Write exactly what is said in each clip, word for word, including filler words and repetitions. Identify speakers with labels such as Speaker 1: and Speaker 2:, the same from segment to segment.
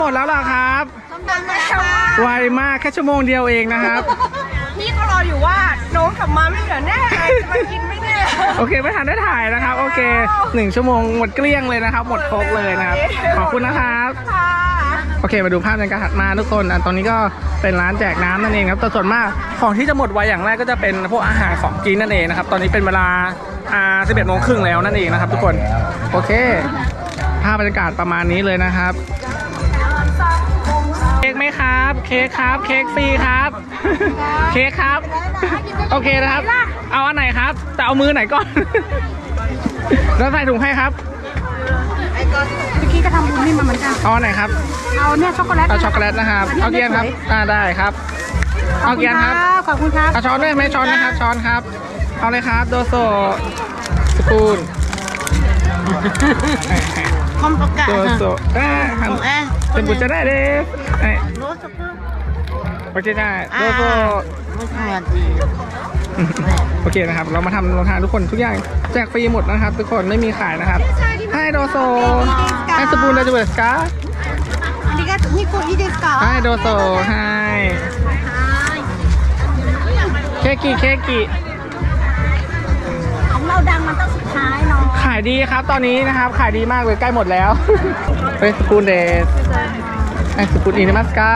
Speaker 1: หมดแล้วเหรอครับ
Speaker 2: ส้มตำแล้ว
Speaker 1: ไวมากแค่ชั่วโมงเดียวเองนะครับ
Speaker 2: พี่ก็รออยู่ว่าน้องกลับมาไม่เหลือแน่จะมากินไม่แน่
Speaker 1: โอเคไม่ทันได้ถ่ายนะครับโอเคหนึ่งชั่วโมงหมดเกลี้ยงเลยนะครับหมดครบเลยนะครับขอบคุณนะครับ
Speaker 2: ค่ะ
Speaker 1: โอเคมาดูภาพในการถัดมาทุกคนอ่ะตอนนี้ก็เป็นร้านแจกน้ำนั่นเองครับแต่ส่วนมากของที่จะหมดไวอย่างแรกก็จะเป็นพวกอาหารของกินนั่นเองนะครับตอนนี้เป็นเวลาอ่าสิบเอ็ดโมงครึ่งแล้วนั่นเองนะครับทุกคนโอเคภาพบรรยากาศประมาณนี้เลยนะครับเค้กไหมครับเค้กครับเค้กฟรีครับ เค้กครับโอเคนะครับเอาอันไหนครับแต่เอามือไหนก่อน แล้วใส่ถุงให้ครับ
Speaker 2: เมื่อกี้ก็ทำบุญนี่มาเหมือนกัน
Speaker 1: เอาอันไหนครับ
Speaker 2: เอาเนี่ยช็อกโกแลต
Speaker 1: เอาช็อกโกแลตนะครับเอาเกียนครับอ่าได้ครับเอาเกียนครับ
Speaker 2: ขอบคุณครับ
Speaker 1: เอาช้อนด้วยไหมช้อนนะครับช้อนครับเอาเลยครับโดโซสปูน
Speaker 2: คอมประกาศ
Speaker 1: โดโซเอ๊ะหันเป็นบุญจะได้เลยเอ๊ะ
Speaker 2: โน้ตสักครู่
Speaker 1: โอเคได้โดโซ
Speaker 2: ไม่ใช่
Speaker 1: โอเคนะครับเรามาทำโรงทานทุกคนทุกอย่างแจกฟรีหมดนะครับทุกคนไม่มีขายนะครับให้โดโซให้สปูนได้ด้วยสกา
Speaker 2: อันนี้ก็นี่กูอีเดสก์
Speaker 1: ให้โดโซให้เคกิเคกิ
Speaker 2: ของเราดังมันต้องสุดท้ายเนาะ
Speaker 1: ขายดีครับตอนนี้นะครับขายดีมากเลยใกล้หมดแล้ว เฮ้ยสปูนเดสไอสปูนอินิมัสกา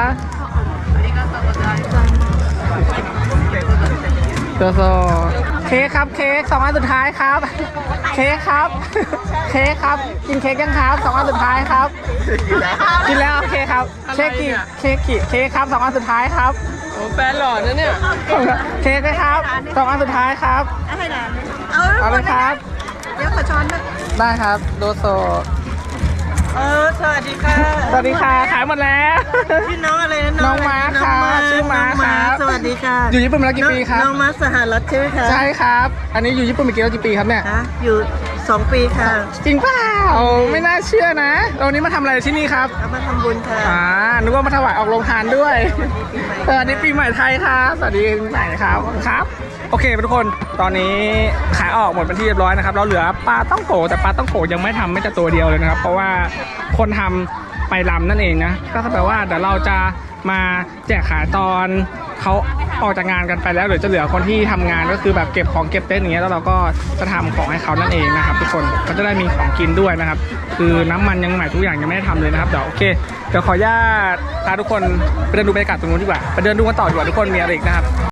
Speaker 1: โดโซเค้กครับเค้กสองอันสุดท้ายครับเค้กครับเค้กครับกินเค้กยังครับสองอันสุดท้ายครับกินแล้วโอเคครับเค้กกี่เค้กกี่เค้กครับสองอันสุดท้ายครับ
Speaker 3: โอ้แฟนหล่อนะเนี่ย
Speaker 1: เค้กไหมครับสองอันสุดท้ายครับ
Speaker 2: ให้นานเอา
Speaker 1: เอาเลยครับ
Speaker 2: เดี๋ยวขอช้อนด้วย
Speaker 1: ได้ครับโดโซ
Speaker 3: เออสวัสดีค่ะ
Speaker 1: สวัสดีค่ะขายหมดแล้ว
Speaker 3: พี่น้องอะไรนะ
Speaker 1: น้องม้าค่ะชื่อม้าครับ
Speaker 3: สวัสดีค่ะ
Speaker 1: อยู่ญี่ปุ่นมาแล้วกี่ปีครับ
Speaker 3: น้องม้าสหรัฐใช่ไหมคะ
Speaker 1: ใช่ครับ อันนี้อยู่ญี่ปุ่นมากี่แล้วกี่ปีครับเนี่ย
Speaker 3: คะอยู่สองปีค่ะ
Speaker 1: จริงเปล่าไม่น่าเชื่อนะเรานี้มาทำอะไรที่นี่ครับ
Speaker 3: เอามาทำบุญค่ะ
Speaker 1: อ่านึกว่ามาถวายออกโรงทานด้วยสวัสดีปีใหม่ไทยครับสวัสดีปีใหม่ครับครับ โอเคทุกคนตอนนี้ขายออกหมดเป็นที่เรียบร้อยนะครับเราเหลือปลาต้องโกแต่ปลาต้องโกยังไม่ทำไม่จะตัวเดียวเลยนะครับ เพราะว่าคนทำไปลำนั่นเองนะก็แปลว่าเดี๋ยวเราจะมาแจกขายตอนเขาออกจากงานกันไปแล้วเดี๋ยวจะเหลือคนที่ทำงานก็คือแบบเก็บของเก็บเต้นอย่างเงี้ยแล้วเราก็จะทำของให้เขานั่นเองนะครับทุกคนก็จะได้มีของกินด้วยนะครับคือน้ำมันยังใหม่ทุกอย่างยังไม่ได้ทำเลยนะครับเดี๋ยวโอเคเดี๋ยวขออนุญาตพาทุกคนไปเดินดูบรรยากาศตรงนู้นดีกว่าไปเดินดูกันต่อดีกว่าทุกคนมีอะไรอีกนะครับ